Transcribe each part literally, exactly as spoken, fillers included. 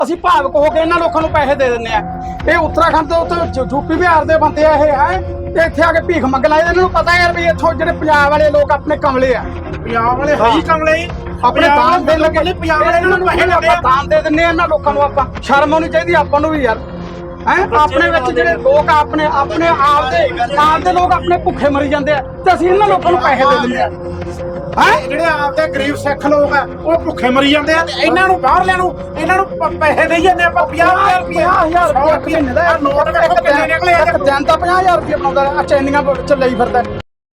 ਅਸੀਂ ਭਾਵਕ ਹੋ ਕੇ ਇਹਨਾਂ ਲੋਕਾਂ ਨੂੰ ਪੈਸੇ ਦੇ ਦਿੰਦੇ ਆ। ਇਹ ਉੱਤਰਾਖੰਡ ਤੋਂ ਉੱਥੇ ਯੂਪੀ ਬਿਹਾਰ ਦੇ ਬੰਦੇ ਆ ਇਹ ਹੈ ਤੇ ਇੱਥੇ ਆ ਕੇ ਭੀਖ ਮੰਗ ਲਾਏ। ਇਹਨਾਂ ਨੂੰ ਪਤਾ ਯਾਰ ਵੀ ਇੱਥੋਂ ਜਿਹੜੇ ਪੰਜਾਬ ਵਾਲੇ ਲੋਕ ਆਪਣੇ ਕਮਲੇ ਆ। ਪੰਜਾਬ ਵਾਲੇ ਹੈ ਹੀ ਕਮਲੇ ਹੀ ਆਪਣੇ ਦਾਨ ਦੇਣ ਲੱਗੇ ਪੰਜਾਬ ਵਾਲੇ ਇਹਨਾਂ ਨੂੰ ਪੈਸੇ ਦਿੰਦੇ ਆ। ਦਾਨ ਦੇ ਦਿੰਦੇ ਆ ਇਹਨਾਂ ਲੋਕਾਂ ਨੂੰ। ਆਪਾਂ ਸ਼ਰਮ ਆਉਣੀ ਚਾਹੀਦੀ ਆਪਾਂ ਨੂੰ ਵੀ ਯਾਰ। ਹੈ ਆਪਣੇ ਵਿੱਚ ਜਿਹੜੇ ਲੋਕ ਆਪਣੇ ਆਪਣੇ ਆਪ ਦੇ ਆਪ ਦੇ ਲੋਕ ਆਪਣੇ ਭੁੱਖੇ ਮਰੀ ਜਾਂਦੇ ਆ ਤੇ ਅਸੀਂ ਇਹਨਾਂ ਲੋਕਾਂ ਨੂੰ ਪੈਸੇ ਦੇ ਦਿੰਦੇ ਆ। ਹੈ ਜਿਹੜੇ ਆਪਦੇ ਗਰੀਬ ਸਿੱਖ ਲੋਕ ਆ ਉਹ ਭੁੱਖੇ ਮਰੀ ਜਾਂਦੇ ਆ ਤੇ ਇਹਨਾਂ ਨੂੰ ਬਾਹਰਲਿਆਂ ਨੂੰ ਇਹਨਾਂ ਨੂੰ ਪ- ਪੈਸੇ ਦੇਈ ਜਾਂਦੇ ਆਪਾਂ ਪੰਜਾਹ ਹਜ਼ਾਰ ਰੁਪਏ ਪੰਜਾਹ ਹਜ਼ਾਰ ਰੁਪਏ ਇੱਕ ਮਹੀਨੇ ਦਾ ਨੋਟ ਵੇਖੋ ਕਿੰਨੇ ਨਿਕਲੇ ਆ। ਇੱਕ ਦਿਨ ਦਾ ਪੰਜਾਹ ਹਜ਼ਾਰ ਰੁਪਏ ਬਣਾਉਂਦਾ ਆ ਚੈਨੀਆਂ ਵਿੱਚ ਲਈ ਫਿਰਦਾ।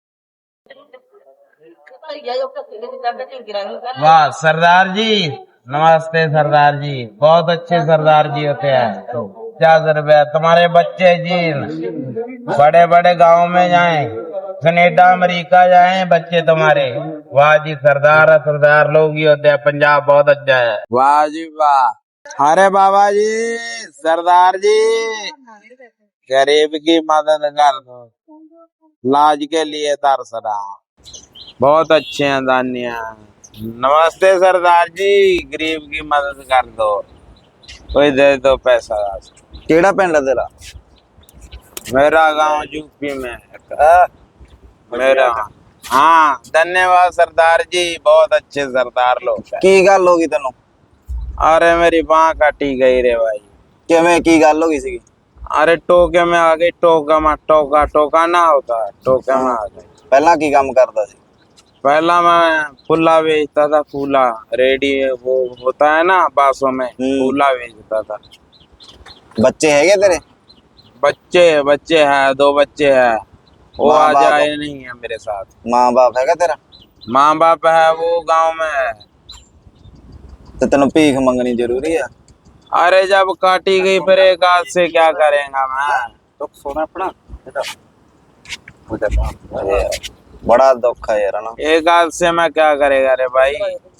वाह सरदार जी, नमस्ते सरदार जी, बहुत अच्छे सरदार जी होते हैं। पचास रुपया तुम्हारे बच्चे जी बड़े बड़े गांव में जाएं, कनेडा अमेरिका जाएं बच्चे तुम्हारे। वाह जी सरदार सरदार लोग ही होते हैं। पंजाब बहुत अच्छा है। वाह जी वाह। अरे बाबा जी सरदार जी गरीब की मदद कर दो, लाज के लिए तरसना। बहुत अच्छे हैं दानिया। नमस्ते सरदार जी, गरीब की मदद कर दो, कोई दे दो पैसा। केड़ा पिंड है तेरा? मेरा गांव यूपी में है। मेरा हाँ धन्यवाद सरदार जी, बहुत अच्छे सरदार लोग हैं। की गल हो गई तेनों? अरे मेरी बांह काटी गई रे भाई। किवें की गल हो गई सी? अरे टोके में आ गई। टोका में टोका टोका ना होता है, टोके में आ गई। पहला की काम करदा सी? पहला मैं फूला बेचता था। फूला रेडी वो होता है ना बासों में, फूला बेचता था। बच्चे है तेरे? बच्चे बच्चे हैं, दो बच्चे हैं। वो माँ आ बाप? जाए नहीं है मेरे साथ। माँ बाप है तेरा? माँ बाप है वो गांव में है। तो तेनों भीख मंगनी जरूरी है? अरे जब काटी गई फिर एक हाथ से क्या करेगा मैं। तो सोना अपना बड़ा दुख है यार ना। एक हाथ से मैं क्या करेगा रे भाई।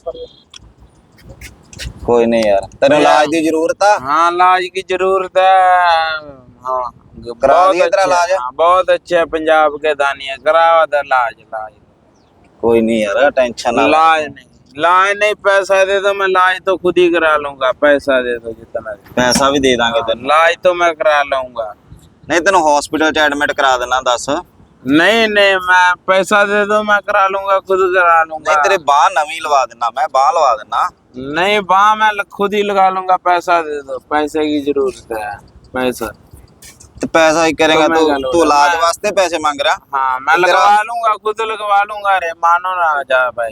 कोई नहीं यार, तेरे इलाज की जरूरत है? हाँ इलाज की जरूरत है। हाँ करा बहुत दिया तेरा अच्छे- इलाज? हाँ, बहुत अच्छे पंजाब के दानिया करावा था इलाज। इलाज कोई नहीं यार, टेंशन ना ले। इलाज नहीं इलाज नहीं पैसा दे दो, मैं इलाज तो खुद ही करा लूंगा। पैसा दे दो जितना दे। पैसा भी दे देंगे तेन। इलाज तो मैं करा लूंगा। नहीं तेन हॉस्पिटल च एडमिट करा देना। दस नहीं नहीं मैं पैसा दे दो, मैं करा लूंगा, खुद करा लूंगा। नहीं तेरे बाह नवी लवा देना, मैं बाह लवा देना। नहीं बाह मैं ल- खुद ही लगा लूंगा। पैसा दे दो, पैसे की जरूरत है। पैसा तो पैसा ही करेगा तो मैं तू? करूँगा। तू इलाज मैं- वास्ते पैसे मांग रहा? हाँ मैं तेरा- लगवा लूंगा, खुद लगवा लूंगा। अरे मानो ना जा भाई,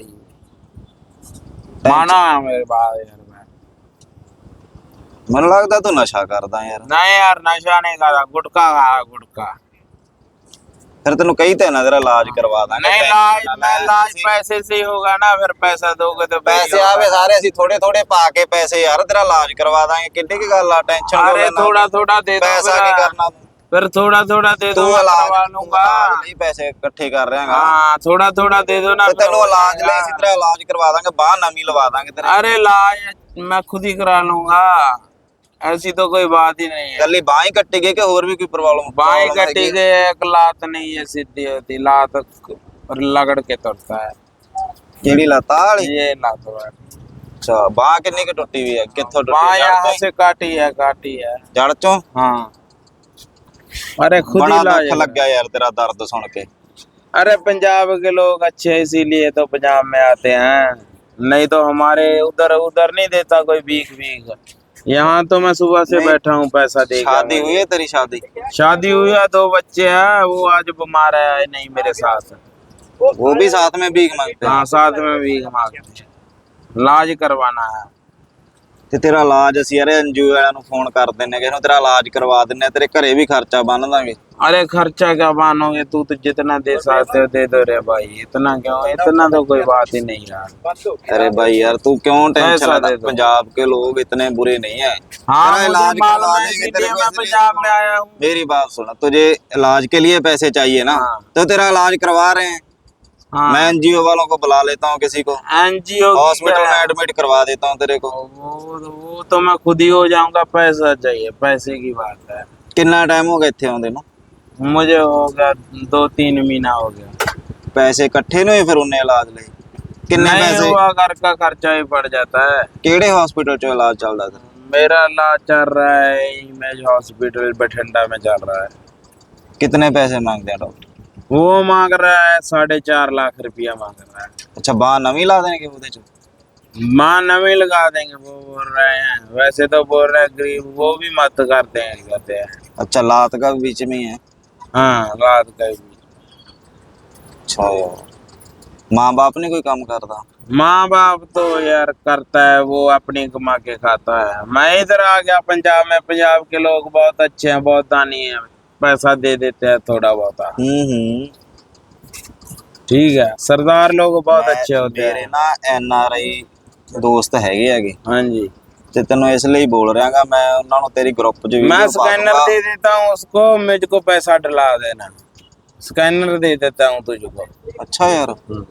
मानो है मेरे बात यार। मैं मैनू लगता तू नशा करदा यार। नहीं यार नशा नहीं करा, गुटखा खाया गुटखा। फिर तेन कही ते ना तेरा इलाज करवा देंगे। नहीं इलाज मैं इलाज पैसे से ही होगा ना। फिर पैसा दोगे तो पैसे आवे सारे ਅਸੀਂ थोड़े थोड़े पा के पैसे यार तेरा इलाज करवा देंगे। कितनी की गल आ, टेंशन अरे थोड़ा थोड़ा दे दो। पैसा फिर- की करना तू? फिर थोड़ा थोड़ा दे दो, तू मैं इलाज करवा लूंगा। नहीं पैसे इकट्ठे कर रहे हैं। हाँ थोड़ा थोड़ा दे दो ना। तो तेनों इलाज ले इसी तरह इलाज करवा देंगे, बाह नवी लवा देंगे तेरे। अरे इलाज मैं खुद ही करा लूंगा, ऐसी तो कोई बात ही नहीं है। गली बाह ही कट्टी गई कि और भी कोई प्रॉब्लम? बाएं कटी गई, एक लात नहीं है सीधी होती, लात लगड़ के तुरता है। केड़ी लता वाली? ये लात है। अच्छा बाह कितनी की टूटी हुई है? कित्थों टूटी बाएं है? जड़ यहाँ चों? से काटी है, काटी है। जड़ चों? हाँ अरे खुद बड़ा ही इलाज दुख लग गया यार तेरा दर्द सुन के। अरे पंजाब के लोग अच्छे हैं, इसीलिए तो पंजाब में आते हैं। नहीं तो हमारे उधर उधर नहीं देता कोई भीख भीख। यहाँ तो मैं सुबह से नहीं। बैठा हूँ पैसा दे। शादी हुई है तेरी? शादी शादी हुई है, दो बच्चे हैं। वो आज बीमार है नहीं मेरे साथ। वो भी साथ में भीख मांगते हैं? हाँ साथ में भी मांगते हैं। इलाज करवाना है। ਤੇ ਤੇਰਾ ਇਲਾਜ ਅਸੀਂ ਯਾਰ ਐਨਜੀਓ ਵਾਲਿਆਂ ਨੂੰ ਫੋਨ ਕਰ ਦਿੰਨੇ ਕਿ ਇਹਨੂੰ ਤੇਰਾ ਇਲਾਜ ਕਰਵਾ ਦਿੰਨੇ ਆ, ਤੇਰੇ ਘਰੇ ਵੀ ਖਰਚਾ ਬੰਨ ਦਾਂਗੇ। अरे खर्चा क्या मानोगे, तू तो जितना दे सकते हो दे दो रे भाई। इतना क्यों, इतना तो कोई बात ही नहीं यार। अरे भाई यार तू क्यों टेंशन पैसा लेता? दे दो। पंजाब के लोग इतने बुरे नहीं है। हाँ तेरा मुझे इलाज मालूम करवा है, देंगे, इसीलिए तेरे को मैं इसलिए- पंजाब में आया हूँ। मेरी बात सुन, तुझे इलाज के लिए पैसे चाहिए ना? हाँ। तो तेरा इलाज करवा रहे हैं। हाँ मैं एनजीओ वालों को बुला लेता हूँ, किसी को एनजीओ हॉस्पिटल में एडमिट करवा देता हूँ तेरे को। वो वो तो मैं खुद ही हो जाऊंगा। पैसा चाहिए, पैसे की बात है। कितना टाइम हो गया इत्थे आउंदे नूं? मुझे हो गया दो तीन महीना हो गया। पैसे इकट्ठे नहीं हुए फिर उन्हें इलाज लिए? किन्ने नहीं पैसे? हुआ, घर का खर्चा ही पड़ जाता है। केड़े हॉस्पिटल चो इलाज चलदा तेरा? मेरा इलाज चल रहा है इमेज हॉस्पिटल बठिंडा में चल रहा है। कितने पैसे मांगते हैं डॉक्टर? वो मांग रहा है साढ़े चार लाख रुपया मांग रहा है। अच्छा बांह नवी ला देंगे ਉਹਦੇ ਚ? माँ नवी लगा देंगे वो बोल रहे हैं, वैसे तो बोल रहे हैं गरीब वो भी मत करते हैं कहते हैं। अच्छा लात का भी बीच में ही है? हाँ रात का भी। अच्छा यार माँ बाप नहीं कोई काम करता? माँ बाप तो यार करता है वो अपनी कमा के खाता है। मैं इधर आ गया पंजाब में, पंजाब के लोग बहुत अच्छे हैं, बहुत दानी हैं, पैसा दे देते हैं थोड़ा बहुत। हम्म हम्म ठीक है सरदार लोग बहुत मैं- अच्छे होते ਮੇਰੇ हैं। ਨਾ ਐਨ ਆਰ ਆਈ ਦੋਸਤ ਹੈਗੇ ਹੈਗੇ हाँ जी ਤੇ ਤੈਨੂੰ ਇਸ ਲਈ ਬੋਲ ਰਿਹਾਗਾ ਮੈਂ ਉਹਨਾਂ ਨੂੰ ਤੇਰੀ ਗਰੁੱਪ 'ਚ ਵੀਡੀਓ मैं ਪਾ स्कैनर ਦੂੰਗਾ। दे देता हूँ उसको, मुझको पैसा डला देना। स्कैनर दे देता हूँ तुझको। अच्छा यार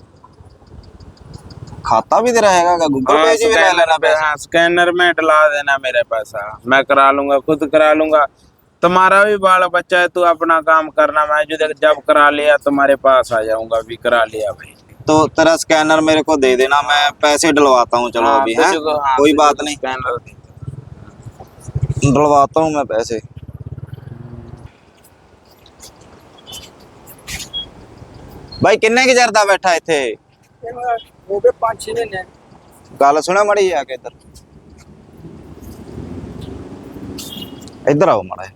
खाता भी तेरा हैगा गूगल हाँ, पे जी भी ले स्कैनर लेना पे- पैसा? हाँ, स्कैनर में डला देना मेरे पैसा, मैं करा लूंगा, खुद करा लूंगा। तुम्हारा भी बाल बच्चा है, तू अपना काम करना, मैं जो देख- जब करा लिया तुम्हारे पास आ जाऊंगा। भी करा लिया भाई। तो तेरा स्कैनर मेरे को दे देना, मैं पैसे डलवाता हूँ। चलो हाँ, अभी है तुझको- हाँ, कोई तुझको बात नहीं, स्कैनर दे। डलवाता हूँ मैं पैसे। भाई किन्ने की चरदा बैठा इथे? ਹੋ ਗਏ ਪੰਜ ਛੇ ਮਹੀਨੇ। गल सुना मड़ी आके इधर इधर आओ माड़ा।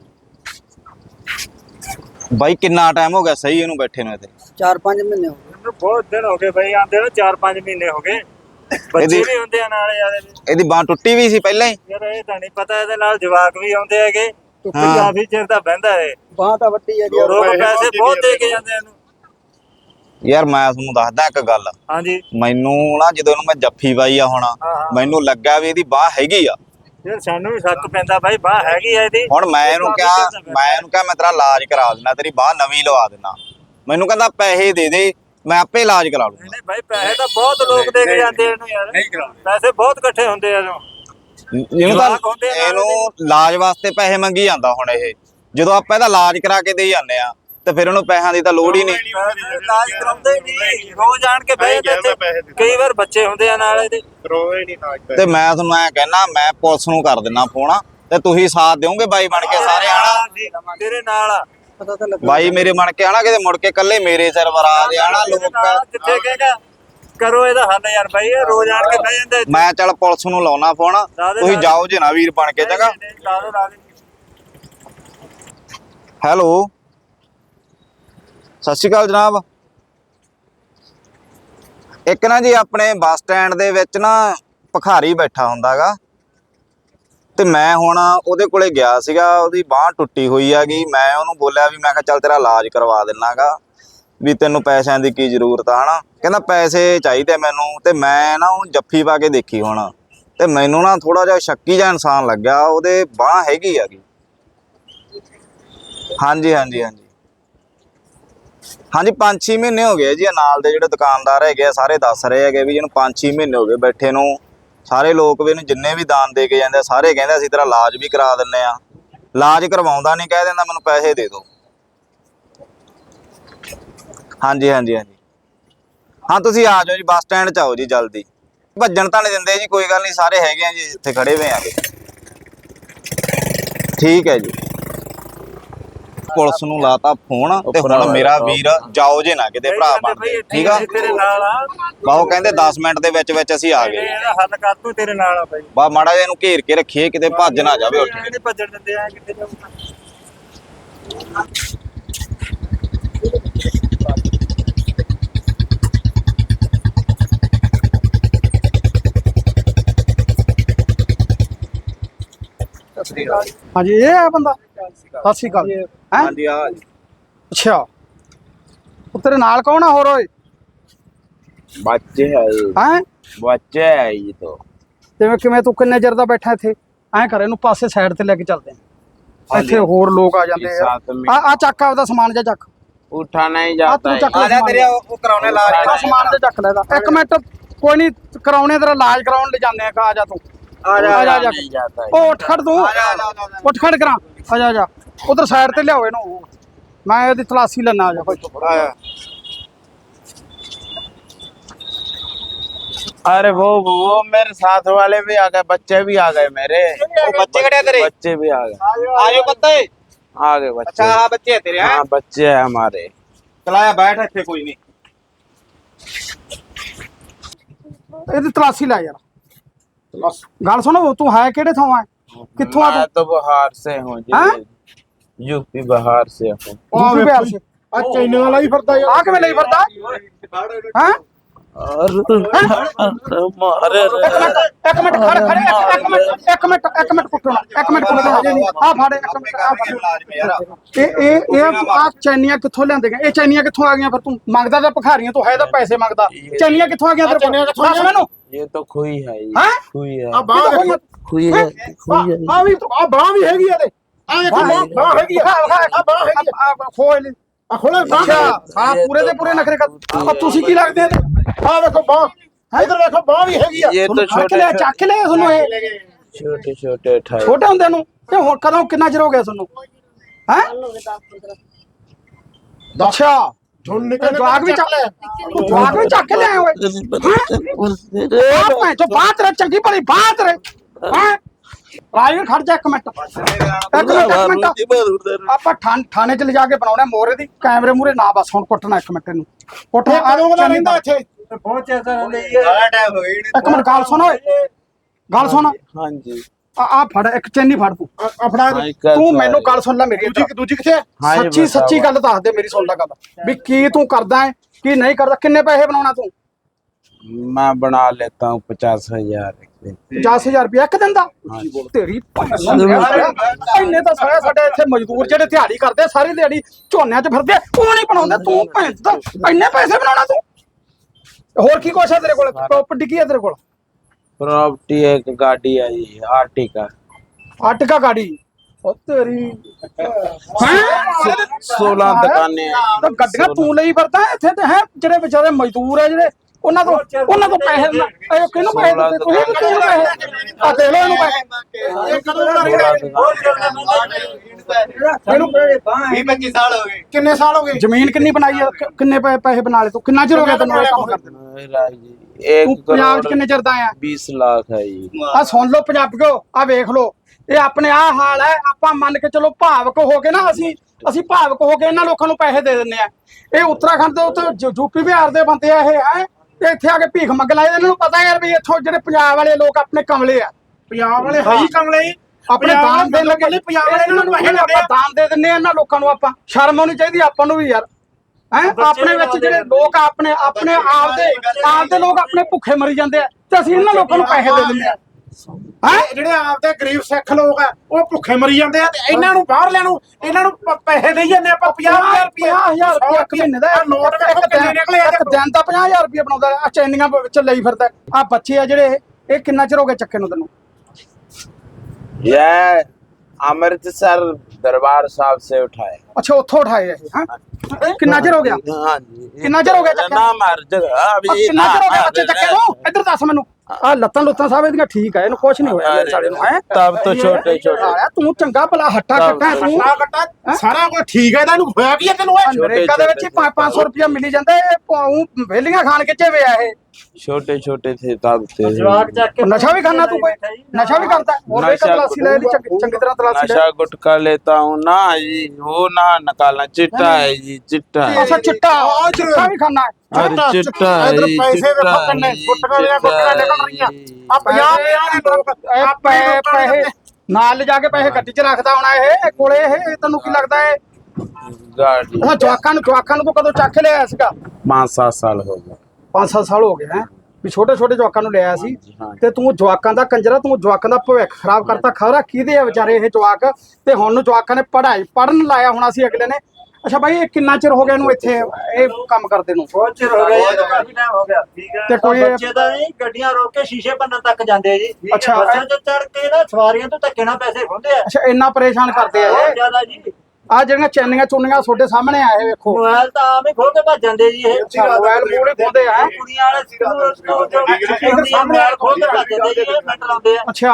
भाई कितना टाइम हो गया सही इनू बैठे ਨੂੰ इथे? ਚਾਰ ਪੰਜ ਮਹੀਨੇ ਹੋ ਗਏ। ਮੈਨੂੰ ਬਹੁਤ ਦਿਨ ਹੋ ਗਏ ਬਈ ਆਂਦੇ ਨੂੰ, ਚਾਰ ਪੰਜ ਮਹੀਨੇ ਹੋ ਗਏ। ਬੱਚੇ ਇਹਦੀ- ਵੀ ਹੁੰਦੇ ਆ ਨਾਲ ਯਾਰ ਇਹਦੇ। ਇਹਦੀ ਬਾਹ ਟੁੱਟੀ ਵੀ ਸੀ ਪਹਿਲਾਂ ਹੀ? ਯਾਰ ਇਹ ਤਾਂ ਨਹੀਂ ਪਤਾ, ਇਹਦੇ ਨਾਲ ਜਵਾਕ ਵੀ ਆਉਂਦੇ ਹੈਗੇ। ਤੂੰ ਹਾਂ। ਕਾਫੀ ਚਿਰ ਦਾ ਬਹਿੰਦਾ ਹੈ। ਬਾਹ ਤਾਂ ਵੱਡੀ ਹੈ ਜੀ। ਲੋਕ ਪੈਸੇ ਬਹੁਤ ਦੇ ਕੇ ਜਾਂਦੇ ਇਹਨੂੰ। ਯਾਰ ਮੈਂ ਤੁਹਾਨੂੰ ਦੱਸਦਾ ਇੱਕ ਗੱਲ, ਹਾਂਜੀ ਮੈਨੂੰ ਨਾ ਜਦੋਂ ਇਹਨੂੰ ਮੈਂ ਜੱਫੀ ਪਾਈ ਆ ਹੁਣ ਹਾਂ, ਹਾਂ। ਮੈਨੂੰ ਲੱਗਾ ਵੀ ਇਹਦੀ ਬਾਹ ਹੈਗੀ ਆ। ਯਾਰ ਸਾਨੂੰ ਵੀ ਸ਼ੱਕ ਪੈਂਦਾ ਬਾਈ, ਬਾਹ ਹੈਗੀ ਆ ਇਹਦੀ। ਹੁਣ ਮੈਂ ਇਹਨੂੰ ਕਾਫੀ ਕਿਹਾ ਚਿਰ ਦਾ ਬਹਿੰਦਾ ਮੈਂ ਇਹਨੂੰ ਕਿਹਾ ਮੈਂ ਤੇਰਾ ਇਲਾਜ ਕਰਾ ਦਿੰਦਾ, ਤੇਰੀ ਬਾਹ ਨਵੀਂ ਲਵਾ ਦਿੰਦਾ। ਮੈਨੂੰ ਕਹਿੰਦਾ ਪੈਸੇ ਦੇ ਦੇ ਮੈਂ ਆਪੇ ਇਲਾਜ ਕਰਾ ਨਹੀਂ ਲੂੰਗਾ। ਨਹੀਂ ਬਾਈ, ਪੈਸੇ ਤਾਂ ਬਹੁਤ ਲੋਕ ਦੇ ਕੇ ਜਾਂਦੇ ਇਹਨੂੰ ਯਾਰ। ਪੈਸੇ ਬਹੁਤ ਇਕੱਠੇ ਹੁੰਦੇ ਆ ਇਹਨੂੰ। ਇਹਨੂੰ ਤਾਂ ਜਵਾਕ ਹੁੰਦੇ ਆ ਨਾਲ ਇਹਨੂੰ ਇਲਾਜ ਵਾਸਤੇ ਪੈਸੇ ਮੰਗੀ ਜਾਂਦਾ ਹੁਣ ਇਹ। ਜਦੋਂ ਆਪਾਂ ਇਹਦਾ ਇਲਾਜ ਕਰਾ ਕੇ ਦੇ ਜਾਂਦੇ ਆ ਤੇ ਫਿਰ ਉਹਨੂੰ ਪੈਸਿਆਂ ਦੀ ਤਾਂ ਲੋੜ ਹੀ ਨਹੀਂ। ਇਲਾਜ ਕਰਾਉਂਦੇ ਨਹੀਂ, ਰੋਜ਼ ਆਣ ਕੇ ਬਹਿ ਜਾਂਦੇ ਇੱਥੇ। ਕਈ ਵਾਰ ਬੱਚੇ ਹੁੰਦੇ ਆ ਨਾਲ ਇਹਦੇ। ਤੇ ਮੈਂ ਤੁਹਾਨੂੰ ਐ ਕਹਿਣਾ ਮੈਂ ਪੁਲਿਸ ਨੂੰ ਕਰ ਦਿੰਦਾ ਫੋਨ ਤੇ ਤੁਸੀਂ ਸਾਥ ਦਿਓਗੇ ਬਾਈ ਬਣ ਕੇ ਸਾਰੇ ਹਨਾ? ਤੇਰੇ ਨਾਲ ਆ। ਪਤਾ ਤਾਂ ਲੱਗਾ। ਬਾਈ ਮੇਰੇ ਬਣ ਕੇ ਹਨਾ, ਕਿਤੇ ਮੁੜ ਕੇ ਕੱਲੇ ਮੇਰੇ ਸਿਰ ਵਰਾ ਦੇ ਹਨਾ ਲੋਕ। ਜਿੱਥੇ ਕਹੇਗਾ ਕਰੋ ਇਹਦਾ ਹੱਲ ਯਾਰ ਬਾਈ, ਇਹ ਰੋਜ਼ ਆਣ ਕੇ ਬਹਿ ਜਾਂਦੇ ਇੱਥੇ। ਮੈਂ ਚੱਲ ਪੁਲਿਸ ਨੂੰ ਲਾਉਣਾ ਫੋਨ, ਤੁਸੀਂ ਜਾਓ ਜੇ ਨਾ ਵੀਰ ਬਣ ਕੇ ਜਗਾ। ਨਹੀਂ, ਨਹੀਂ, ਲਾ ਦਿਓ, ਲਾ ਦਿਓ। ਹੈਲੋ ਸਤਿ ਸ਼੍ਰੀ ਅਕਾਲ ਜਨਾਬ। ਇੱਕ ਨਾ ਜੀ ਆਪਣੇ ਬੱਸ ਸਟੈਂਡ ਦੇ ਵਿੱਚ ਨਾ ਭਿਖਾਰੀ ਬੈਠਾ ਹੁੰਦਾਗਾ ਤੇ ਮੈਂ ਹੁਣ ਉਹਦੇ ਕੋਲੇ ਗਿਆ ਸੀਗਾ, ਉਹਦੀ ਬਾਂਹ ਟੁੱਟੀ ਹੋਈ ਹੈਗੀ। ਮੈਂ ਉਹਨੂੰ ਬੋਲਿਆ ਵੀ ਮੈਂ ਕਿਹਾ ਚੱਲ ਤੇਰਾ ਇਲਾਜ ਕਰਵਾ ਦਿੰਨਾਗਾ, ਵੀ ਤੈਨੂੰ ਪੈਸਿਆਂ ਦੀ ਕੀ ਜ਼ਰੂਰਤ ਆ ਹਨਾ। ਕਹਿੰਦਾ ਪੈਸੇ ਚਾਹੀਦੇ ਮੈਨੂੰ। ਤੇ ਮੈਂ ਨਾ ਉਹ ਜੱਫੀ ਪਾ ਕੇ ਦੇਖੀ ਹੁਣ ਤੇ ਮੈਨੂੰ ਨਾ ਥੋੜਾ ਜਿਹਾ ਸ਼ੱਕੀ ਜਿਹਾ ਇਨਸਾਨ ਲੱਗਿਆ। ਉਹਦੇ ਬਾਂਹ ਹੈਗੀ ਹੈਗੀ। ਹਾਂਜੀ ਹਾਂਜੀ ਹਾਂਜੀ ਹਾਂਜੀ ਪੰਜ ਛੇ ਮਹੀਨੇ ਹੋ ਗਏ ਜੀ। ਨਾਲ ਦੇ ਜਿਹੜੇ ਦੁਕਾਨਦਾਰ ਹੈਗੇ ਆ ਸਾਰੇ ਦੱਸ ਰਹੇ ਹੈਗੇ ਵੀ ਇਹਨੂੰ ਪੰਜ ਛੇ ਮਹੀਨੇ ਹੋ ਗਏ ਬੈਠੇ ਨੂੰ। ਸਾਰੇ ਲੋਕ ਵੀ ਇਹਨੂੰ ਜਿੰਨੇ ਵੀ ਦਾਨ ਦੇ ਕੇ ਜਾਂਦੇ ਆ ਸਾਰੇ ਕਹਿੰਦੇ ਅਸੀਂ ਤੇਰਾ ਇਲਾਜ ਵੀ ਕਰਾ ਦਿੰਨੇ ਆ। ਇਲਾਜ ਕਰਵਾਉਂਦਾ ਨਹੀਂ, ਕਹਿ ਦਿੰਦਾ ਮੈਨੂੰ ਪੈਸੇ ਦੇ ਦਿਓ। ਹਾਂਜੀ ਹਾਂਜੀ ਹਾਂਜੀ ਹਾਂ ਤੁਸੀਂ ਆ ਜਾਓ ਜੀ, ਬੱਸ ਸਟੈਂਡ 'ਚ ਆਓ ਜੀ ਜਲਦੀ। ਭੱਜਣ ਤਾਂ ਨਹੀਂ ਦਿੰਦੇ ਜੀ, ਕੋਈ ਗੱਲ ਨਹੀਂ, ਸਾਰੇ ਹੈਗੇ ਆ ਜੀ ਇੱਥੇ ਖੜੇ ਹੋਏ ਆਗੇ। ਠੀਕ ਹੈ ਜੀ। ਪੁਲਿਸ ਨੂੰ ਲਾਤਾ ਫੋਨ ਤੇ ਹੁਣ ਮੇਰਾ ਵੀਰ ਜਾਓ ਜੇ ਨਾ ਕਿਤੇ ਭਰਾ ਬਣ ਕੇ, ਠੀਕ ਆ? ਤੇਰੇ ਨਾਲ ਆ। ਬਾਹੋ ਕਹਿੰਦੇ ਦਸ ਮਿੰਟ ਦੇ ਵਿੱਚ ਵਿੱਚ ਅਸੀਂ ਆ ਗਏ। ਇਹਦਾ ਹੱਲ ਕਰ ਤੂੰ, ਤੇਰੇ ਨਾਲ ਆ ਬਾਈ। ਬਾ ਮਾੜਾ ਜਿਹਾ ਇਹਨੂੰ ਘੇਰ ਕੇ ਰੱਖੀਏ, ਕਿਤੇ ਭੱਜ ਨਾ ਜਾਵੇ ਉੱਠ ਕੇ। ਨਹੀਂ ਭੱਜਣ ਦਿੰਦੇ ਆ, ਕਿੱਥੇ ਜਾਊਗਾ। ਹਾਂਜੀ ਇਹ ਹੈ ਬੰਦਾ। ਸਤਿ ਸ਼੍ਰੀ ਅਕਾਲ। ਹੈ ਹਾਂਜੀ ਆ ਅੱਛਾ ਉਹ ਤੇਰੇ ਨਾਲ ਕੌਣ ਆ ਹੋਰ ਓਏ? बच्चे है ये, ਹੈ बच्चे है ये तो। ਤੇ ਕਿਵੇਂ ਤੂੰ ਕਿੰਨੇ ਚਿਰ ਦਾ ਬੈਠਾ ਇੱਥੇ? ਐਂ ਕਰ ਇਹਨੂੰ ਪਾਸੇ ਸਾਈਡ ਤੇ ਲੈ ਕੇ ਚੱਲਦੇ ਆ। ਇੱਥੇ ਹੋਰ ਲੋਕ ਆ ਜਾਂਦੇ ਆ। ਆ ਆ ਚੱਕ ਆਪਦਾ ਸਮਾਨ ਜਿਹਾ ਚੱਕ। उठा नहीं ਆ जाता ਤੂੰ है। ਚੱਕ ਲੈ ਸਮਾਨ। ਉਹ ਕਰਾਉਣੇ ਇਲਾਜ ਆ ਸਮਾਨ ਤੇ ਚੱਕ ਲੈ ਦਾ। ਇੱਕ ਮਿੰਟ ਕੋਈ ਨਹੀਂ, ਕਰਾਉਣੇ ਤੇਰਾ ਇਲਾਜ ਕਰਾਉਣ ਲੈ ਜਾਂਦੇ ਆ। ਆ ਜਾ ਤੂੰ, आ जा, आ जा, आ जा। नहीं जाता है। ਉਹ ਉੱਠ ਖੜ ਤੂੰ, ਉੱਠ ਖੜ ਕਰਾਂ। ਆ ਜਾ ਆ ਜਾ ਉਧਰ ਸਾਈਡ ਤੇ ਲਿਆਓ ਇਹਨੂੰ, ਮੈਂ ਇਹਦੀ ਤਲਾਸ਼ੀ ਲੈਣਾ। ਆ ਜਾ ਭਾਈ। अरे वो वो मेरे साथ वाले भी आ गए, बच्चे भी आ गए मेरे। बच्चे कड़े तेरे बच्चे भी आ गए। आयो पत्ते आ गए बच्चे। अच्छा हाँ बच्चे है तेरे हैं हाँ बच्चे है हमारे। चलाया बैठ इतने कोई नहीं ਇਹਦੀ ਤਲਾਸ਼ੀ ਲੈ ਯਾਰ ਗੱਲ ਸੁਣ ਤੂੰ ਹੈ ਕਿਹੜੇ ਥਾਂ ਆ ਕਿੱਥੋਂ ਆ मैं तो बिहार से हूँ हाँ? जी, यूपी बिहार से हूँ। ਤੂੰ ਯੂਪੀ ਬਿਹਾਰ ਸੇ ਆ ਚੈਨੀਆਂ ਵਾਲਾ ਹੀ ਫਿਰਦਾ ਯਾਰ ਆ ਕਿਵੇਂ ਲਈ ਫਿਰਦਾ ਹੈ और मारे ਇੱਕ ਮਿੰਟ ਇੱਕ ਮਿੰਟ ਖੜ ਖੜ ਇੱਕ ਮਿੰਟ ਇੱਕ ਮਿੰਟ ਇੱਕ ਮਿੰਟ ਕੁੱਟਣਾ ਇੱਕ ਮਿੰਟ ਕੁੱਟਣਾ ਹਜੇ ਨਹੀਂ ਆ ਫੜ ਇੱਕ ਮਿੰਟ ਆ ਫੜ ਇਹ ਇਹ ਇਹ ਆ ਚੈਨੀਆਂ ਕਿੱਥੋਂ ਲਿਆਂਦੇ ਗਏ ਇਹ ਚੈਨੀਆਂ ਕਿੱਥੋਂ ਆ ਗਈਆਂ ਫਿਰ ਤੂੰ ਮੰਗਦਾ ਤਾਂ ਭਿਖਾਰੀਆਂ ਤੋਂ ਹੈ ਤਾਂ ਪੈਸੇ ਮੰਗਦਾ ਚੈਨੀਆਂ ਕਿੱਥੋਂ ਆ ਗਈਆਂ ਤੇਰੇ ਕੋਲ ਦੱਸ ਮੈਨੂੰ ये तो खुई है ये, हैं? खुई ਆ है ਬਾਹ ਦੇਖੋ खुई है खुई है। ਆ ਵੀ ਆ ਬਾਹ ਵੀ ਹੈਗੀ ਆ ਤੇ ਆ ਦੇਖੋ ਬਾਹ ਬਾਹ ਹੈਗੀ ਆ ਆ ਬਾਹ ਹੈਗੀ ਆ ਖੋਲ ਆ ਖੋਲੇ ਬਾਹ ਅੱਛਾ ਹਾਂ ਪੂਰੇ ਦੇ ਪੂਰੇ ਨਖਰੇ ਕਰ ਆ ਤੁਸੀਂ ਕੀ ਲੱਗਦੇ ਆ ਦੇਖੋ ਬਾਹ ਇਧਰ ਦੇਖੋ ਬਾਹ ਵੀ ਹੈਗੀ ਆ ये तो ਚੱਕ छोटे ਲਿਆ ਚੱਕ ਲਿਆ ਤੁਹਾਨੂੰ ਇਹ छोटे छोटे ठाई। ਛੋਟੇ ਹੁੰਦੇ ਨੂੰ ਤੇ ਹੁਣ ਕਦੋਂ ਕਿੰਨਾ ਚਿਰ ਹੋ ਗਿਆ ਤੁਹਾਨੂੰ ਹੈ ਅੱਛਾ ਝੁੰਨ ਤੇ ਨਿਕਲ ਜਵਾਕ ਵੀ ਚੱਕ ਲਿਆ ਤੂੰ ਜਵਾਕ ਵੀ ਚੱਕ ਲਿਆ ਓਏ ਆ ਭੈਣ ਚੋ ਬਾਤ ਰੇ ਚੰਗੀ ਭਲੀ ਬਾਤ ਰੇ ਹੈ ਰਾਜਵੀਰ ਖੜ ਜਾ ਇੱਕ ਮਿੰਟ ਇੱਕ ਮਿੰਟ ਇੱਕ ਮਿੰਟ ਆਪਾਂ ਥਾਣ- ਥਾਣੇ ਚ ਲਿਜਾ ਕੇ ਬਣਾਉਣਾ ਮੋਰੇ ਦੀ ਕੈਮਰੇ ਮੂਰੇ ਨਾ ਬਸ ਹੁਣ ਕੁੱਟਣਾ ਇੱਕ ਮਿੰਟ ਇਹਨੂੰ ਕੁੱਟ ਇਹ ਕਦੋਂ ਦਾ ਰਹਿੰਦਾ ਇੱਥੇ ਬਹੁਤ ਚਿਰ ਦਾ ਰਹਿੰਦੇ ਜੀ ਸਾਰਾ ਟਾਈਮ ਹੋ ਗਿਆ ਇੱਕ ਮਿੰਟ ਗੱਲ ਸੁਣ ਓਏ ਗੱਲ ਸੁਣ हाँ जी ਆ ਆ ਫੜ ਇੱਕ ਚੈਨੀ ਫੜ ਤੂੰ ਆ ਆ ਫੜਾ हाँ, एक ਤੂੰ ਮੈਨੂੰ ਗੱਲ ਸੁਣ ਲੈ ਮੇਰੀ ਦੂਜੀ ਦੂਜੀ ਕਿੱਥੇ ਆ? हाँ जी, ਸੱਚੀ बताओ। ਸੱਚੀ ਗੱਲ ਦੱਸ ਦੇ ਮੇਰੀ ਸੁਣ ਲੈ ਗੱਲ ਵੀ ਕੀ ਤੂੰ ਕਰਦਾ ਹੈ ਕੀ ਨਹੀਂ ਕਰਦਾ ਕਿੰਨੇ ਪੈਸੇ ਬਣਾਉਣਾ ਤੂੰ मैं बना लेता हूँ पचास हजार। ਦਸ ਹਜ਼ਾਰ ਰੁਪਏ ਇੱਕ ਦਿਨ ਦਾ ਤੇਰੀ ਭੈਣ ਨੂੰ ਇੰਨੇ ਤਾਂ ਸਾਰੇ ਸਾਡੇ ਇੱਥੇ ਮਜ਼ਦੂਰ ਜਿਹੜੇ ਦਿਹਾੜੀ ਕਰਦੇ ਆ, ਸਾਰੀ ਦਿਹਾੜੀ ਝੋਨਿਆਂ 'ਚ ਫਿਰਦੇ ਆ, ਉਹ ਨਹੀਂ ਬਣਾਉਂਦੇ ਤੂੰ ਭੈਣ ਦਾ ਇੰਨੇ ਪੈਸੇ ਬਣਾਉਣਾ ਤੂੰ ਹੋਰ ਕੀ ਕੁਛ ਹੈ ਤੇਰੇ ਕੋਲ ਪ੍ਰਾਪਰਟੀ ਕੀ ਹੈ ਤੇਰੇ ਕੋਲ प्रॉपर्टी एक गाड़ी आई है आर्टिका ਆਟਕਾ ਗਾੜੀ ਉਹ ਤੇਰੀ ਹੈਂ सोलह दुकानें आई। ਤਾਂ ਗੱਡੀਆਂ ਤੂੰ ਲਈ ਫਿਰਦਾ ਇੱਥੇ ਤੇ ਹੈ ਜਿਹੜੇ ਵਿਚਾਰੇ ਮਜ਼ਦੂਰ ਆ ਜਿਹੜੇ ਉਹਨਾਂ ਤੋਂ ਉਹਨਾਂ ਤੋਂ ਪੈਸੇ ਲੈ ਇਹ ਕਿਹਨੂੰ ਪੈਸੇ ਦਿੱਤੇ ਤੁਸੀਂ ਦਿੱਤੇ ਇਹਨੂੰ ਪੈਸੇ ਆ ਦੇ ਲੋ ਇਹਨੂੰ ਪੈਸੇ ਇਹ ਕਦੋਂ ਦਾ ਰਹਿੰਦਾ ਇੱਥੇ? ਇਹਨੂੰ ਵੀਹ ਪੱਚੀ ਸਾਲ ਹੋ ਗਏ ਕਿੰਨੇ ਸਾਲ ਹੋ ਗਏ ਜ਼ਮੀਨ ਕਿੰਨੀ ਬਣਾਈ ਆ ਕਿ- ਕਿੰਨੇ ਪੈ- ਪੈਸੇ ਬਣਾ ਲਏ ਤੂੰ ਕਿੰਨਾ ਚਿਰ ਹੋ ਗਿਆ ਤੈਨੂੰ ਇਹ ਕੰਮ ਕਰਦੇ ਨੂੰ? मेरा जी एक ਤੂੰ ਪੰਜਾਬ 'ਚ करोड़ ਕਿੰਨੇ ਚਿਰ ਦਾ ਆਇਆ बीस लाख है जी। ਆ ਸੁਣ ਲਓ ਪੰਜਾਬੀਓ ਆ ਵੇਖ ਲਓ ਇਹ ਆਪਣੇ ਆ ਹਾਲ ਹੈ ਆਪਾਂ ਮੰਨ ਕੇ ਚਲੋ ਭਾਵਕ ਹੋ ਕੇ ਨਾ ਅਸੀਂ ਅਸੀਂ ਭਾਵਕ ਹੋ ਕੇ ਇਹਨਾਂ ਲੋਕਾਂ ਨੂੰ ਪੈਸੇ ਦੇ ਦਿੰਦੇ ਆ ਇਹ ਉੱਤਰਾਖੰਡ ਦੇ ਉੱਤੇ ਯੂ- ਯੂਪੀ ਬਿਹਾਰ ਦੇ ਬੰਦੇ ਆ ਇਹ ਹੈ ਤੇ ਇੱਥੇ ਆ ਕੇ ਭੀਖ ਮੰਗ ਲਾਏ ਇਹਨਾਂ ਨੂੰ ਪਤਾ ਯਾਰ ਵੀ ਇੱਥੋਂ ਜਿਹੜੇ ਪੰਜਾਬ ਵਾਲੇ ਲੋਕ ਆਪਣੇ ਕਮਲੇ ਆ ਪੰਜਾਬ ਵਾਲੇ ਹੈ ਹੀ ਕਮਲੇ ਹੀ ਆਪਣੇ ਪੰਜਾਬ ਦਾਨ ਦੇਣ ਲੱਗੇ ਪੰਜਾਬ ਵਾਲੇ ਇਹਨਾਂ ਨੂੰ ਪੈਸੇ ਦਿੰਦੇ ਆਪਾਂ ਦਾਨ ਦੇ ਦਿੰਦੇ ਆ ਇਹਨਾਂ ਲੋਕਾਂ ਨੂੰ ਆਪਾਂ ਸ਼ਰਮ ਆਉਣੀ ਚਾਹੀਦੀ ਆਪਾਂ ਨੂੰ ਵੀ ਯਾਰ ਹੈ ਆਪਣੇ ਵਿੱਚ ਜਿਹੜੇ ਲੋਕ ਆ, ਆਪਣੇ ਆਪਣੇ ਆਪ ਦੇ ਆਪ ਦੇ ਲੋਕ ਆਪਣੇ ਭੁੱਖੇ ਮਰੀ ਜਾਂਦੇ ਆ ਤੇ ਅਸੀਂ ਇਹਨਾਂ ਲੋਕਾਂ ਨੂੰ ਪੈਸੇ ਦੇ ਦਿੰਦੇ ਆ ਹੈ ਜਿਹੜੇ ਆਪਦੇ ਗਰੀਬ ਸਿੱਖ ਲੋਕ ਆ ਉਹ ਭੁੱਖੇ ਮਰੀ ਜਾਂਦੇ ਆ ਤੇ ਇਹਨਾਂ ਨੂੰ ਬਾਹਰ ਲੈਣ ਨੂੰ ਇਹਨਾਂ ਨੂੰ ਪ- ਪੈਸੇ ਦੇਈ ਜਾਂਦੇ ਆਪਾਂ ਪੰਜਾਹ ਹਜ਼ਾਰ ਰੁਪਏ ਪੰਜਾਹ ਹਜ਼ਾਰ ਰੁਪਏ ਇੱਕ ਮਹੀਨੇ ਦਾ ਆਹ ਨੋਟ ਵੇਖੋ ਕਿੰਨੇ ਨਿਕਲੇ ਆ ਇੱਕ ਦਿਨ ਦਾ ਪੰਜਾਹ ਹਜ਼ਾਰ ਰੁਪਏ ਬਣਾਉਂਦਾ ਆ ਚੈਨੀਆਂ ਵਿੱਚ ਲਈ ਫਿਰਦਾ ਆ ਬੱਚੇ ਆ ਜਿਹੜੇ ਇਹ ਕਿੰਨਾ ਚਿਰ ਹੋ ਗਿਆ ਚੱਕੇ ਨੂੰ ਤੈਨੂੰ यह अमृतसर दरबार साहब से उठाए। ਅੱਛਾ ਉੱਥੋਂ ਉਠਾਏ ਇਹ ਹਾਂ ਕਿੰਨਾ ਚਿਰ ਹੋ ਗਿਆ हाँ जी ਕਿੰਨਾ ਚਿਰ ਹੋ ਗਿਆ ਚੱਕੇ ਨੂੰ? नाम हर जगह ਆ अभी ਕਿੰਨਾ ਚਿਰ ਹੋ ਗਿਆ ਬੱਚੇ ਚੱਕੇ ਨੂੰ ਇੱਧਰ ਦੱਸ ਮੈਨੂੰ ਆ ਲੱਤਾਂ ਲੁੱਤਾਂ ਸਾਹਿਬ ਇਹਦੀਆਂ ਠੀਕ ਆ ਇਹਨੂੰ ਕੁਛ ਨਹੀਂ ਹੋਇਆ ਮੇਰੇ ਸਾਲੇ ਨੂੰ ਹੈ तब तो छोटे छोटे ਆਇਆ ਤੂੰ ਚੰਗਾ ਭਲਾ ਹੱਟਾ ਕੱਟਾ ਹੈ ਤੂੰ ਸਾਰਾ ਕੱਟਾ ਸਾਰਾ ਕੁਝ ਠੀਕ ਹੈ ਇਹਨੂੰ ਹੋਇਆ ਕੀ ਹੈ ਤੈਨੂੰ ਇਹ ਅਮਰੀਕਾ ਦੇ ਵਿੱਚ ਪੰਜ ਪੰਜ ਸੌ ਰੁਪਇਆ ਮਿਲੀ ਜਾਂਦਾ ਇਹ ਪਾਉ ਵੇਲੀਆਂ ਖਾਣ ਕਿੱਥੇ ਵੇ ਆ ਇਹ छोटे छोटे थे तब थे। ਜਵਾਕ ਚੱਕ ਕੇ ਨਸ਼ਾ ਵੀ ਖਾਣਾ ਤੂੰ ਕੋਈ ਨਸ਼ਾ ਵੀ ਕਰਦਾ ਹੋਰ ਵੇਖ नशा ਤਲਾਸੀ ਲੈ ਲਈ ਚੰਗੀ ਚੰਗੀ ਤਰ੍ਹਾਂ ਤਲਾਸੀ ਲੈ नशा गुटखा लेता हूँ ना जी, वो ना निकालना चिट्टा है जी, चिट्टा है। ਅੱਛਾ ਚਿੱਟਾ ਚਿੱਟਾ ਵੀ ਖਾਣਾ ਹੈ अरे चिट्टा है ਇਧਰ जी, ਪੈਸੇ चिट्टा ਵੇਖੋ है ਕਿੰਨੇ जी, ਗੁੱਟਕਾਂ ਦੀਆਂ चिट्टा ਗੁੱਟਕਾਂ है ਨਿਕਲ ਰਹੀਆਂ जी। ਆ ਪੰਜਾਹ ਪੰਜਾਹ ਦੇ ਲੋਕ ਇਹ ਆ ਪੈ- ਪੈਸੇ ਨਾਲ ਲਿਜਾ ਕੇ ਪੈਸੇ ਗੱਡੀ 'ਚ ਰੱਖਦਾ ਹੋਣਾ ਇਹ ਕੋਲੇ ਇਹ ਤੈਨੂੰ ਕੀ ਲੱਗਦਾ ਹੈ गाड़ी ਉਹ ਜਵਾਕਾਂ ਨੂੰ ਜਵਾਕਾਂ ਨੂੰ ਤੂੰ ਕਦੋਂ ਚੱਕ ਕੇ ਲਿਆਇਆ ਸੀਗਾ पाँच सात साल हो गए। ਪੰਜ ਸੱਤ ਸਾਲ ਹੋ ਗਏ ਹੈ ਵੀ ਛੋਟੇ ਛੋਟੇ ਜਵਾਕਾਂ ਨੂੰ ਲਿਆਇਆ ਸੀ ਹਾਂਜੀ, ਹਾਂਜੀ। ਤੇ ਤੂੰ ਜਵਾਕਾਂ ਦਾ ਕੰਜਰਾ ਤੂੰ ਜਵਾਕਾਂ ਦਾ ਭਵਿੱਖ ਖਰਾਬ ਕਰਤਾ ਖਬਰਾ ਕਿਹਦੇ ਆ ਵਿਚਾਰੇ ਇਹ ਜਵਾਕ ਤੇ ਹੁਣ ਨੂੰ ਜਵਾਕਾਂ ਨੇ ਪੜ੍ਹਾਈ ਪੜਨ ਲਾਇਆ ਹੋਣਾ ਸੀ ਅਗਲੇ ਨੇ ਅੱਛਾ ਬਾਈ ਇਹ ਕਿੰਨਾ ਚਿਰ ਹੋ ਗਿਆ ਇਹਨੂੰ ਇੱਥੇ ਇਹ ਕੰਮ ਕਰਦੇ ਨੂੰ ਬਹੁਤ ਚਿਰ ਹੋ ਗਿਆ ਜੀ, ਕਾਫੀ ਟਾਈਮ ਹੋ ਗਿਆ ਠੀਕ ਹੈ ਤੇ ਕੋਈ- ਬੱਚੇ ਤਾਂ ਨਹੀਂ ਗੱਡੀਆਂ ਰੋਕ ਕੇ ਸ਼ੀਸ਼ੇ ਭੰਨਣ ਤੱਕ ਜਾਂਦੇ ਆ ਜੀ ਅੱਛਾ। ਬੱਸਾਂ 'ਚ ਚੜ ਕੇ ਨਾ ਸਵਾਰੀਆਂ ਤੋਂ ਧੱਕੇ ਨਾਲ ਪੈਸੇ ਖੁੰਦੇ ਆ ਅੱਛਾ ਇੰਨਾ ਪਰੇਸ਼ਾਨ ਕਰਦੇ ਆ ਬਹੁਤ ਇਹ ਜ਼ਿਆਦਾ ਜੀ ਆ ਜਿਹੜੀਆਂ ਚੈਨੀਆਂ ਚੁੰਨੀਆਂ ਤੁਹਾਡੇ ਸਾਹਮਣੇ ਆਏ ਵੇਖੋ ਮੋਬਾਈਲ ਤਾਂ ਆਮ ਹੀ ਖੋ ਕੇ ਭੱਜ ਜਾਂਦੇ ਜੀ ਇਹ ਅੱਛਾ, ਮੋਬਾਈਲ ਮੂਹਰੇ ਖੋਹਦੇ ਆ। ਕੁੜੀਆਂ ਵਾਲੇ ਸਕੂਲ ਤੋਂ ਜੋ ਛੁੱਟੀ ਹੁੰਦੀ ਆ ਮੋਬਾਈਲ ਖੋ ਕੇ ਭੱਜ ਜਾਂਦੇ ਜੀ ਇਹ ਮਿੰਟ ਲਾਉਂਦੇ ਆ ਅੱਛਾ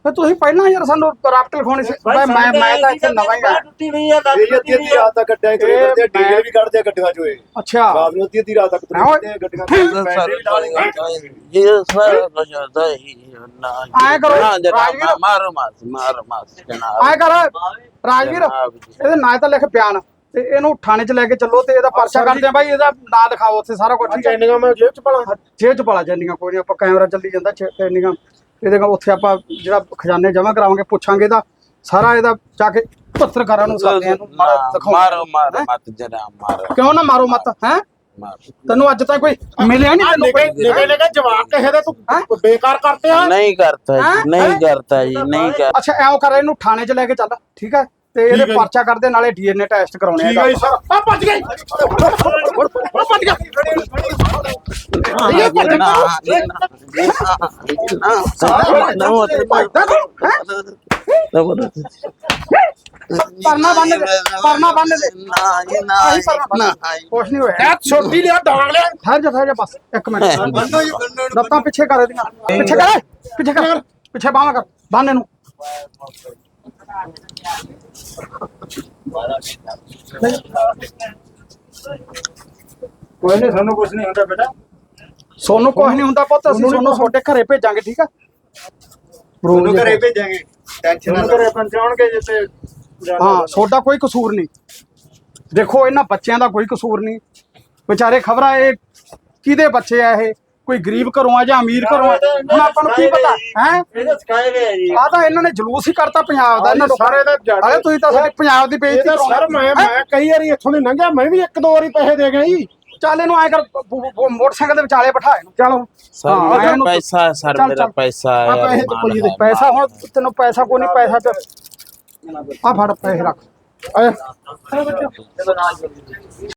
ਫਿਰ ਤੁਸੀਂ ਪਹਿਲਾਂ ਯਾਰ ਸਾਨੂੰ ਰਾਪਟ ਲਿਖਾਉਣੀ ਸੀ ਮੈਂ ਮੈਂ ਮੈਂ ਤਾਂ ਇੱਥੇ ਨਵਾਂ ਹੀ ਆ ਟੁੱਟੀ ਨਹੀਂ ਆ ਲੱਤ ਇਹ ਅੱਧੀ ਅੱਧੀ ਰਾਤ ਤੱਕ ਗੱਡਿਆਂ ਹੀ ਤੁਰੇ ਫਿਰਦੇ ਆ, ਡੀਜ਼ਲ ਵੀ ਕੱਢਦੇ ਆ ਗੱਡੀਆਂ ਚੋਂ ਇਹ ਅੱਛਾ ਰਾਤ ਨੂੰ ਅੱਧੀ ਅੱਧੀ ਰਾਤ ਤੱਕ ਤੁਰੇ ਫਿਰਦੇ ਆ ਗੱਡੀਆਂ ਚੋਂ, ਬੈਟਰੀ ਵੀ ਲਾ ਲਈਆਂ। ये सारा कुछ होता ही ना आए करो, ना जनाब, राजवीर। मारो मास मारो मास जनाब ਆਏ ਕਰ ਰਾਜਵੀਰ ਜਨਾਬ ਜੀ। ਇਹਦੇ ਨਾਂ ਤਾਂ ਲਿਖ ਬਿਆਨ ਤੇ ਇਹਨੂੰ ਥਾਣੇ 'ਚ ਲੈ ਕੇ ਚੱਲੋ ਤੇ ਇਹਦਾ ਪਰਚਾ ਕਰਦੇ ਆ ਬਾਈ ਇਹਦਾ ਨਾਂ ਲਿਖਾਓ ਉੱਥੇ ਸਾਰਾ ਕੁਝ ਠੀਕ ਹੈ ਚੈਨੀਆਂ ਮੈਂ ਜੇਬ ਚ ਪਾਲਾਂ ਜੇਬ 'ਚ ਪਾਲਾ ਜਾਂਦੀਆਂ ਕੋਈ ਨਹੀਂ ਆਪਾਂ ਕੈਮਰਾ ਚੱਲੀ ਜਾਂਦਾ ਚੈਨੀਆਂ ਇਹਦੇ ਕੋਲ ਉੱਥੇ ਆਪਾਂ ਜਿਹੜਾ ਖਜ਼ਾਨੇ ਜਮ੍ਹਾਂ ਕਰਾਵਾਂਗੇ ਪੁੱਛਾਂਗੇ ਇਹਦਾ ਸਾਰਾ ਇਹਦਾ ਜਾ ਕੇ ਪੱਤਰਕਾਰਾਂ ਨੂੰ ਸਾਥ ਇਹਨੂੰ ਮਾਰਾ ਦਿਖਾਓ मारो मारो मत जनाब मारो ਕਿਉਂ ਨਾ ਮਾਰੋ ਮਤ ਹੈ मारो ਤੈਨੂੰ ਅੱਜ ਤੱਕ ਕੋਈ ਮਿਲਿਆ ਨਹੀਂ ਤੈਨੂੰ ਨਿਕੇ ਕੋਈ ਨਿਕੇ ਨਿਕੇ ਜਵਾਬ ਕਿਸੇ ਦੇ ਹੈਂ? ਤੂੰ ਬੇਕਾਰ ਕਰਤੇ ਆ नहीं करता हैं? जी नहीं हैं? करता जी नहीं कर ਅੱਛਾ ਐਂ ਕਰ ਇਹਨੂੰ ਥਾਣੇ 'ਚ ਲੈ ਕੇ ਚੱਲ ਠੀਕ ਹੈ ਤੇ ਠੀਕ ਇਹਦੇ ਹੈ ਜੀ। ਪਰਚਾ ਕਰਦੇ ਨਾਲੇ ਡੀਐਨਏ ਟੈਸਟ ਕਰਾਉਣੇ ਆ ਠੀਕ ਹੈ ਜੀ ਇਹਦਾ। ਸਰ ਆ ਭੱਜ ਗਈ ਆ ਭੱਜ ਗਿਆ ਇਹ ਭੱਜ ਗਿਆ ਪਰਨਾ ਬੰਨ ਦੇ ਪਰਨਾ ਬੰਨ ਦੇ ਆਹੀ ਪਰਨਾ ਬੰਨ੍ਹ ਦੇ। ਕੁਛ ਨਹੀਂ ਹੋਇਆ ਇਹ ਛੋਟੀ ਲਿਆ ਡਾਂਗ ਲਿਆ ਠਹਿਰ ਜਾ ਠਹਿਰ ਜਾ ਬਸ ਇੱਕ ਮਿੰਟ ਲੱਤਾਂ ਪਿੱਛੇ ਕਰ ਇਹਦੀਆਂ ਪਿੱਛੇ ਕਰ ਪਿੱਛੇ ਕਰ ਪਿੱਛੇ ਬਾਹਾਂ ਕਰ ਬੰਨ ਇਹਨੂੰ ਕੋਈ ਨਹੀਂ ਸਾਨੂੰ ਕੁਝ ਨਹੀਂ ਹੁੰਦਾ ਬੇਟਾ ਸੋਨੂੰ ਕੁਛ ਨਹੀਂ ਹੁੰਦਾ ਪੁੱਤ ਅਸੀਂ ਸੋਨੂੰ ਤੁਹਾਡੇ ਘਰੇ ਭੇਜਾਂਗੇ ਠੀਕ ਆ ਉਹਨੂੰ ਘਰੇ ਭੇਜਾਂਗੇ ਟੈਨਸ਼ਨ ਨਾ ਘਰੇ ਪਹੁੰਚਾਉਣਗੇ ਜਿੱਤੇ ਹਾਂ ਤੁਹਾਡਾ ਕੋਈ ਕਸੂਰ ਨਹੀਂ ਦੇਖੋ ਇਹਨਾਂ ਬੱਚਿਆਂ ਦਾ ਕੋਈ ਕਸੂਰ ਨਹੀਂ ਵਿਚਾਰੇ ਖਬਰਾਂ ਇਹ ਕਿਹਦੇ ਬੱਚੇ ਆ ਇਹ ਕੋਈ ਗਰੀਬ ਘਰੋਂ ਆ ਜਾਂ ਅਮੀਰ ਘਰੋਂ ਆ ਹੁਣ ਆਪਾਂ ਨੂੰ ਕੀ ਪਤਾ ਹੈ ਇਹਦੇ ਸਿਖਾਏ ਗਏ ਜੀ ਆ ਤਾਂ ਇਹਨਾਂ ਨੇ ਜਲੂਸ ਹੀ ਕਰਤਾ ਪੰਜਾਬ ਦਾ ਇਹਨਾਂ ਸਾਰੇ ਦਾ ਜੱਟ। ਅਰੇ ਤੁਸੀਂ ਤਾਂ ਸਾਡੇ ਪੰਜਾਬ ਦੀ ਬੇਇੱਜ਼ਤੀ ਇਹਦਾ ਸਰ ਮੈਂ ਮੈਂ ਕਈ ਵਾਰੀ ਇੱਥੋਂ ਦੀ ਲੰਘਿਆ ਮੈਂ ਵੀ ਇੱਕ ਦੋ ਵਾਰੀ ਪੈਸੇ ਦੇ ਗਿਆ ਜੀ ਚੱਲ ਇਹਨੂੰ ਐ ਕਰ ਬ- ਬ- ਬ- ਮੋਟਰਸਾਈਕਲ ਦੇ ਵਿਚਾਲੇ ਬਿਠਾ ਇਹਨੂੰ ਚਲੋ सर हाँ, मेरा ਇਹਨੂੰ- पैसा है सर चल, मेरा चल। पैसा ਆ है ਪੈਸੇ ਤੇ ਕੋਈ ਨਹੀਂ ਪੈਸਾ ਹੁਣ ਤੈਨੂੰ ਪੈਸਾ ਕੋਈ ਨਹੀਂ ਪੈਸਾ ਤੇ ਆ ਫੜ ਪੈਸੇ ਰੱਖ ਆਏ